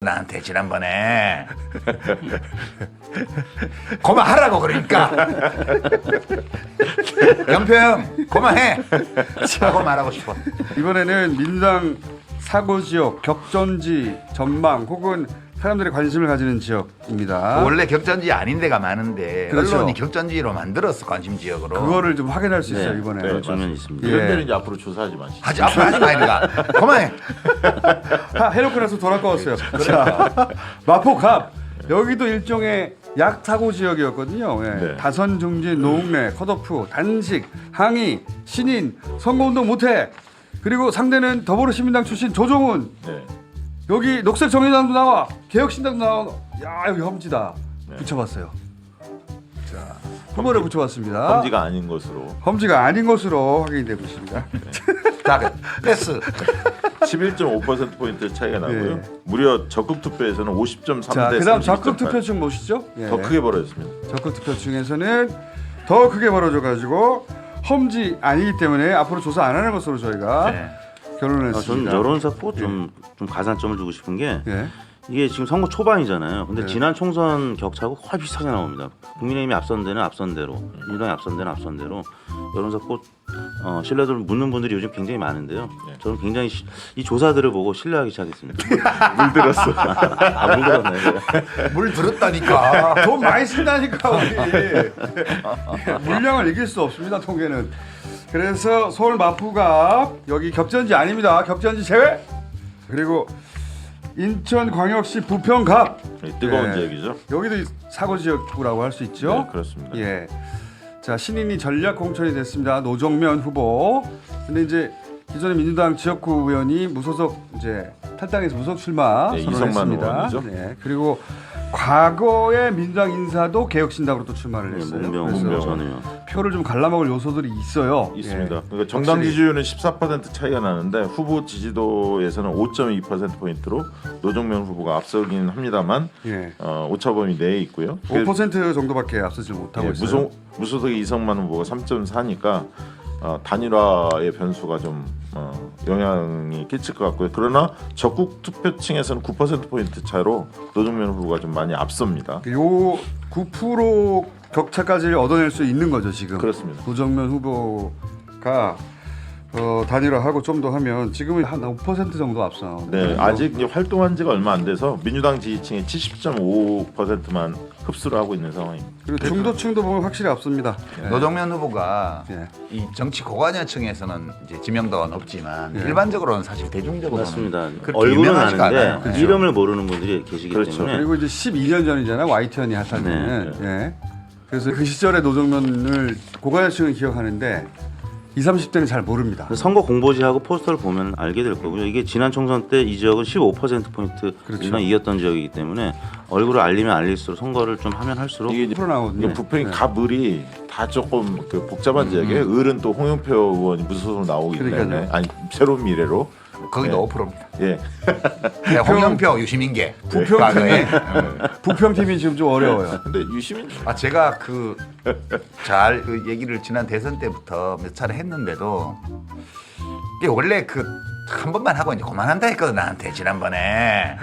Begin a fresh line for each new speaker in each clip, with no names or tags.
나한테 지난번에 그만하라고 그러니까 연평 그만해 라고 말하고 싶어.
이번에는 민주당 사고지역, 격전지, 전망 혹은 사람들이 관심을 가지는 지역입니다.
원래 격전지 아닌 데가 많은데
그렇죠.
언론이 격전지로 만들었어. 관심 지역으로.
그거를 좀 확인할 수 있어요.
네,
이번에.
그런 측면이 있습니다.
예.
이런 데는 이제 앞으로 조사하지 마시죠.
앞으로 하지 마이가 그만해.
해놓고 나서 덜 아까웠어요. 자, 마포갑 여기도 일종의 약사고 지역이었거든요. 예.
네.
다선 중진, 노웅래, 컷오프, 단식, 항의, 신인, 선거운동 못해. 그리고 상대는 더불어시민당 출신 조정훈.
네.
여기 녹색정의당도 나와, 개혁신당도 나와. 야 여기 험지다.
네.
붙여봤어요. 자, 후보를 붙여봤습니다.
험지가 아닌 것으로
험지가 아닌 것으로 확인되고 있습니다.
자, 패스.
11.5%포인트 차이가 나고요.
예.
무려 적극 투표에서는 50.3대
자, 그다음
32.8.
적극 투표층 보시죠. 예.
더 크게 벌어졌습니다.
적극 투표층에서는 더 크게 벌어져가지고 험지 아니기 때문에 앞으로 조사 안 하는 것으로 저희가
네.
결론을
저는
했습니다.
여론사 좀 가산점을 주고 싶은 게
예.
이게 지금 선거 초반이잖아요. 근데
네.
지난 총선 격차하고 거의 비슷하게 나옵니다. 국민의힘이 앞선 데는 앞선 대로, 민주당이 앞선 데는 앞선 대로 여론사 신뢰도를 묻는 분들이 요즘 굉장히 많은데요.
네.
저는 굉장히 이 조사들을 보고 신뢰하기 시작했습니다.
물들었어.
물 들었네.
물 들었다니까.
돈 많이 쓴다니까 우리. 물량을 이길 수 없습니다. 통계는. 그래서 서울 마포갑 여기 격전지 아닙니다. 격전지 제외. 그리고 인천광역시 부평갑
뜨거운
네.
지역이죠.
여기도 사고 지역구라고 할 수 있죠.
네, 그렇습니다.
예. 자, 신인이 전략 공천이 됐습니다. 노정면 후보. 근데 이제 기존의 민주당 지역구 의원이 무소속 이제 탈당해서 무소속 출마
네,
선언했습니다.
이성만 의원이죠.
네. 그리고 과거의 민주당 인사도 개혁신당으로 또 출마를 했어요.
문병
그래서
전 의원.
표를 좀 갈라먹을 요소들이 있어요.
있습니다.
예.
그러니까 정당
확실히.
지지율은 14% 차이가 나는데 후보 지지도에서는 5.2%포인트로 노정면 후보가 앞서긴 합니다만
예.
오차범위 내에 있고요.
5% 정도밖에 앞서지 못하고
예,
있어요.
무소속의 이성만 후보가 3.4니까 단일화의 변수가 좀 영향이 끼칠 것 같고요. 그러나 적극 투표층에서는 9%포인트 차로 노정면 후보가 좀 많이 앞섭니다.
요 9% 격차까지 얻어낼 수 있는 거죠 지금.
그렇습니다.
노정면 후보가 단일화하고 좀 더 하면 지금은 한 5% 정도 앞서.
네, 아직 이제 활동한 지가 얼마 안 돼서 민주당 지지층의 70.5%만 흡수를 하고 있는 상황입니다.
그리고 중도층도 보면 확실히 앞섭니다. 네.
노정면 후보가
예.
이 정치 고관여층에서는 이제 지명도가 높지만
예.
일반적으로는 사실 대중적으로는
맞습니다.
그렇게
얼굴은
유명하지가
아는데
않아요. 네.
이름을 모르는 분들이 계시기
그렇죠.
때문에
그리고 이제 12년 전이잖아 YTN이 핫할 때는. 예. 그래서 그 시절의 노정면을 고관여층은 기억하는데 20, 30대는 잘 모릅니다.
선거 공보지하고 포스터를 보면 알게 될 거고요. 이게 지난 총선 때 이 지역은 15%포인트
그렇죠.
이상 이겼던 지역이기 때문에 얼굴을 알리면 알릴수록 선거를 좀 하면 할수록
이게 이제
프로 나오거든요.
이게 부평이
네.
갑을이 다 조금 그 복잡한 지역이에요. 을은 또 홍영표 의원이 무소속으로 나오기 때문에
그러니까요.
아니 새로운 미래로
거기도
네.
5%입니다.
예.
네, 홍영표, 유시민계.
부평
과거에.
부평팀이 지금 좀 어려워요.
근데 유시민
제가 그 얘기를 지난 대선 때부터 몇 차례 했는데도 이게 원래 그 한 번만 하고 이제 그만한다 했거든 나한테 지난번에.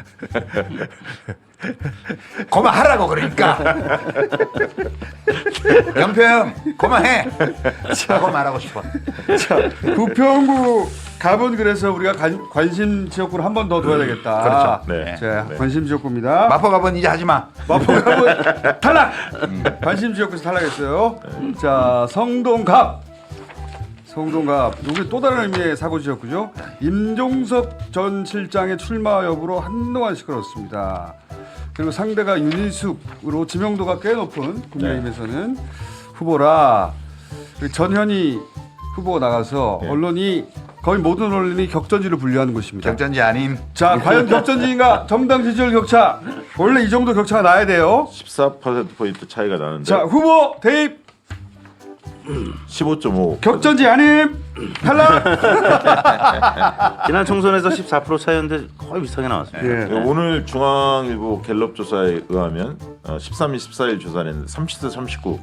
그만하라고 그러니까 연평 그만해 라고 말하고 싶어.
자, 부평구 갑은 그래서 우리가 관심 지역구를 한 번 더 둬야 되겠다.
그렇죠.
네.
자,
네.
관심 지역구입니다.
마포갑은 이제 하지마.
마포갑은 탈락. 관심 지역구에서 탈락했어요. 자, 성동갑. 여기 또 다른 의미의 사고 지역구죠. 임종석 전 실장의 출마 여부로 한동안 시끄러웠습니다. 그리고 상대가 윤희숙으로 지명도가 꽤 높은 국민의힘에서는 후보라. 그리고 전현희 후보가 나가서
네.
언론이 거의 모든 언론이 격전지를 분류하는 곳입니다.
격전지 아님.
자, 과연 격전지인가? 정당 지지율 격차. 원래 이 정도 격차가 나야 돼요.
14%포인트 차이가 나는데
자, 후보 대입
15.5.
격전지 아님 탈락.
지난 총선에서 14% 차이였는데 거의 비슷하게 나왔습니다.
예.
오늘 중앙일보 갤럽 조사에 의하면 13일, 14일 조사를 했는데 30대 39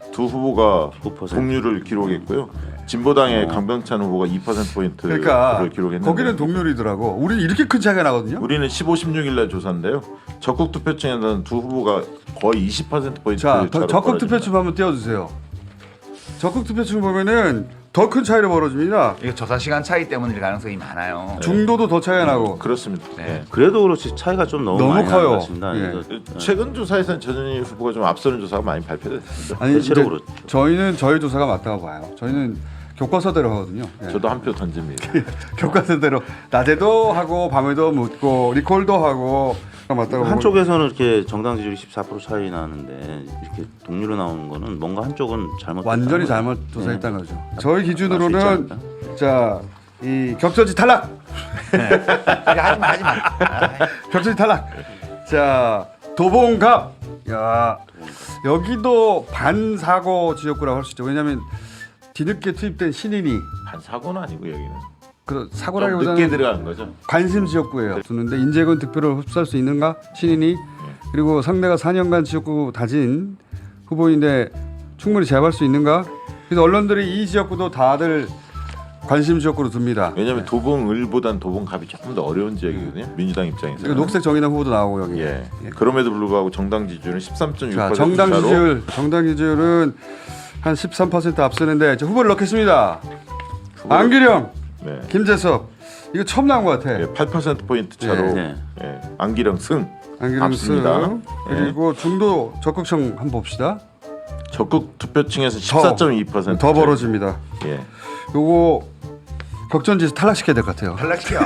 두 후보가
9%.
동률을 기록했고요. 진보당의 강병찬 후보가 2%포인트를
그러니까
기록했는데
거기는 동률이더라고. 우리 이렇게 큰 차이가 나거든요.
우리는 15, 16일 날 조사인데요. 적극 투표층에서는 두 후보가 거의 20%포인트
자,
차로
적극
벌어집니다.
투표층 한번 띄워주세요. 적극 투표층 보면은 더 큰 차이로 벌어집니다.
이거 조사 시간 차이 때문일 가능성이 많아요.
중도도 더 차이가 나고.
그렇습니다.
네.
예.
그래도 그렇지 차이가 좀 너무
너무
많이
커요.
나는 것 같습니다.
예.
이거
최근 조사에서는 전현희 후보가 좀 앞서는 조사가 많이 발표됐습니다.
아니
대체로
이제
그렇죠.
저희는 저희 조사가 맞다고 봐요. 저희는 교과서대로 하거든요. 예.
저도 한 표 던집니다.
교과서대로 낮에도 하고 밤에도 묻고 리콜도 하고 맞다고.
한쪽에서는 이렇게 정당 지지율이 14% 차이 나는데 이렇게 동률로 나오는 거는 뭔가 한쪽은 잘못
완전히 잘못 조사했다는
네.
거죠. 저희
수 있지
기준으로는
않을까?
자, 이 격전지 탈락.
하지 마.
격전지 탈락. 자, 도봉갑. 야, 여기도 반사고 지역구라고 할 수 있죠. 왜냐하면 뒤늦게 투입된 신인이
한 사고는 아니고 여기는
그
좀 늦게
사고라기보다는
들어간 거죠.
관심 지역구예요. 두는데 인재군 득표를 흡수할 수 있는가 신인이 그리고 상대가 4년간 지역구 다진 후보인데 충분히 제압할 수 있는가. 그래서 언론들이 이 지역구도 다들 관심 지역구로 둡니다.
왜냐하면 도봉을보단 도봉갑이 조금 더 어려운 지역이거든요. 민주당 입장에서.
그리고 녹색 정의당 후보도 나오고 여기.
예. 그럼에도 불구하고 정당 지지율은 13.6%
자,
차로
정당 지지율은 한 13% 앞서는데 저 후보를 넣겠습니다. 안기령,
네.
김재섭 이거 처음 나온 것 같아.
예, 8% 포인트 차로
네.
예, 안기령 승.
안기령
앞섭니다.
승. 그리고 중도 적극청 한번 봅시다.
적극 투표층에서 14.2%
더 벌어집니다.
예.
요거 격전지에서 탈락시켜야 될 것 같아요.
탈락시켜.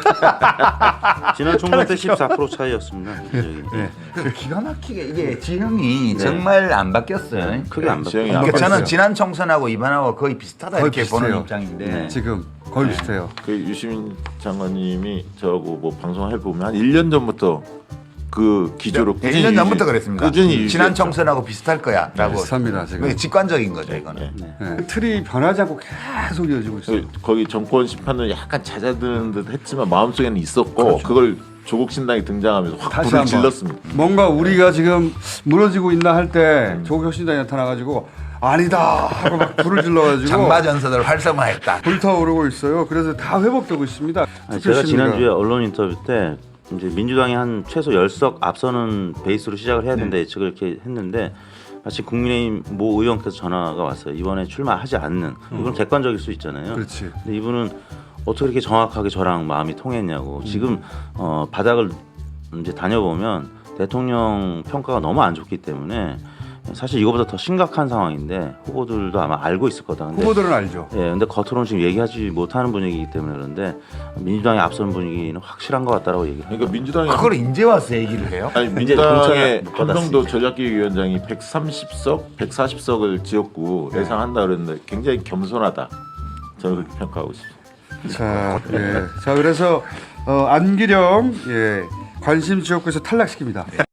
지난 총선 때 14% 차이였습니다.
그 기가 막히게 이게 지형이 정말 안 바뀌었어요.
크게 안
지형이
바뀌었어요.
안
그러니까 저는
바뀌었어요.
지난 총선하고 이번하고 거의 비슷하다
거의
이렇게 보는
비슷해요.
입장인데
네.
지금 거의 비슷해요.
그 유시민 장관님이 저하고 뭐 방송해 보면 한 1년 전부터 그 기조로 꾸준히
1년 전부터 그랬습니다.
꾸준히
지난
유지했죠.
총선하고 비슷할 거야라고.
비슷합니다 지금.
그게 직관적인 거죠 이거는.
네.
그 틀이 변하지 않고 계속 이어지고 있어요.
거기 정권 심판은 약간 잦아드는 듯 했지만 마음속에는 있었고 그걸 조국 신당이 등장하면서 확
다시
불을
한번.
질렀습니다.
뭔가 우리가 지금 무너지고 있나 할 때 조국혁신당이 나타나가지고 아니다 하고 막 불을 질러가지고
장마전선을 활성화했다.
불타오르고 있어요. 그래서 다 회복되고 있습니다.
아니, 제가
투표 심리가.
지난주에 언론 인터뷰 때 이제 민주당이 한 최소 10석 앞서는 베이스로 시작을 해야 된다 예측을 이렇게 했는데 마치 국민의힘 모 의원께서 전화가 왔어요. 이번에 출마하지 않는. 이건 객관적일 수 있잖아요.
그렇지.
근데 이분은 어떻게 이렇게 정확하게 저랑 마음이 통했냐고. 지금 바닥을 이제 다녀보면 대통령 평가가 너무 안 좋기 때문에 사실 이거보다 더 심각한 상황인데 후보들도 아마 알고 있을 거다. 근데
후보들은 알죠.
예, 근데 겉으로는 지금 얘기하지 못하는 분위기이기 때문에 그런데 민주당이 앞선 분위기는 확실한 것 같다라고 얘기를 해요.
그러니까 민주당이
그걸 이제 와서 얘기를 해요?
아니
이제
민주당의
공천을 못 받았으니까.
한명도 전략기획위원장이 130석, 140석을 지역구 예상한다 그랬는데 굉장히 겸손하다. 저는 그렇게 평가하고 있습니다.
자, 예. 자 그래서 안기령 관심 지역구에서 탈락시킵니다.